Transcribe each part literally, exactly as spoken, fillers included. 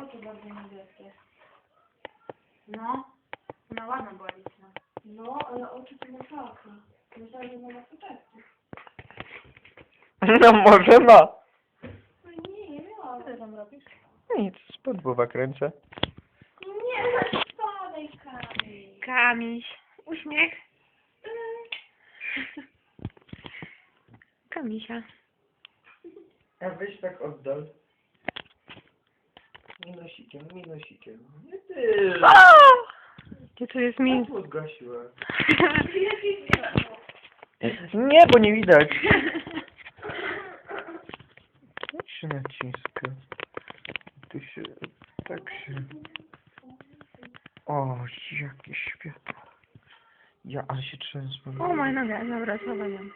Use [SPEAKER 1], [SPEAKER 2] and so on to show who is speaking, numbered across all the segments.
[SPEAKER 1] oczy bardzo niebieskie. No, ona ładna była liczna. No, ale oczy to masakra. Myślałam, że nie ma soczewki.
[SPEAKER 2] No może ma.
[SPEAKER 1] No nie, nie miałam. Co ty tam robisz?
[SPEAKER 2] Nic, spod głowa kręcę.
[SPEAKER 1] Nie, spadaj Kamil.
[SPEAKER 3] Kamiś. Uśmiech. Kamisia.
[SPEAKER 2] A weź tak oddal. Minosikiem, minosikiem. Nie ty.
[SPEAKER 3] Gdzie tu jest mi?
[SPEAKER 2] Światło zgasiłem. Nie, bo nie widać. Jak się naciska? Tu się... Tak się... O, jakie światło. Ja, ale się trzęsło.
[SPEAKER 3] O, moja noga. Dobra, schowam ją.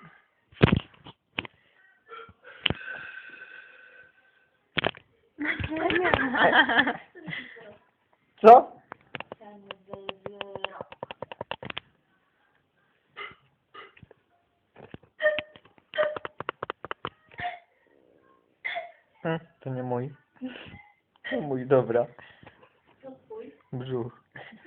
[SPEAKER 2] Co? Hm, to nie mój. To mój, dobra. Brzuch.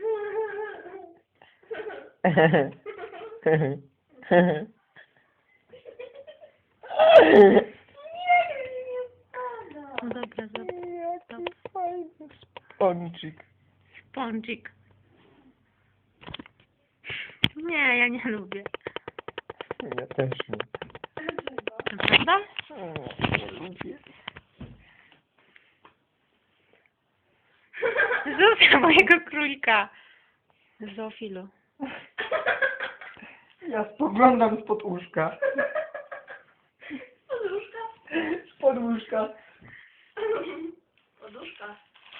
[SPEAKER 3] No dobra, dobra.
[SPEAKER 2] Jaki fajny spącik.
[SPEAKER 3] Spądzik. Nie, ja nie lubię.
[SPEAKER 2] Ja też nie.
[SPEAKER 3] Prawda?
[SPEAKER 2] Nie lubię.
[SPEAKER 3] Zofia mojego królika. Zofilu.
[SPEAKER 2] Ja spoglądam spod łóżka.
[SPEAKER 1] Poduszka?
[SPEAKER 2] Spod łóżka.
[SPEAKER 1] Poduszka.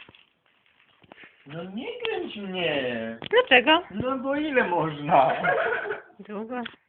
[SPEAKER 2] No nie kręć mnie.
[SPEAKER 3] Dlaczego?
[SPEAKER 2] No bo ile można?
[SPEAKER 3] Długo.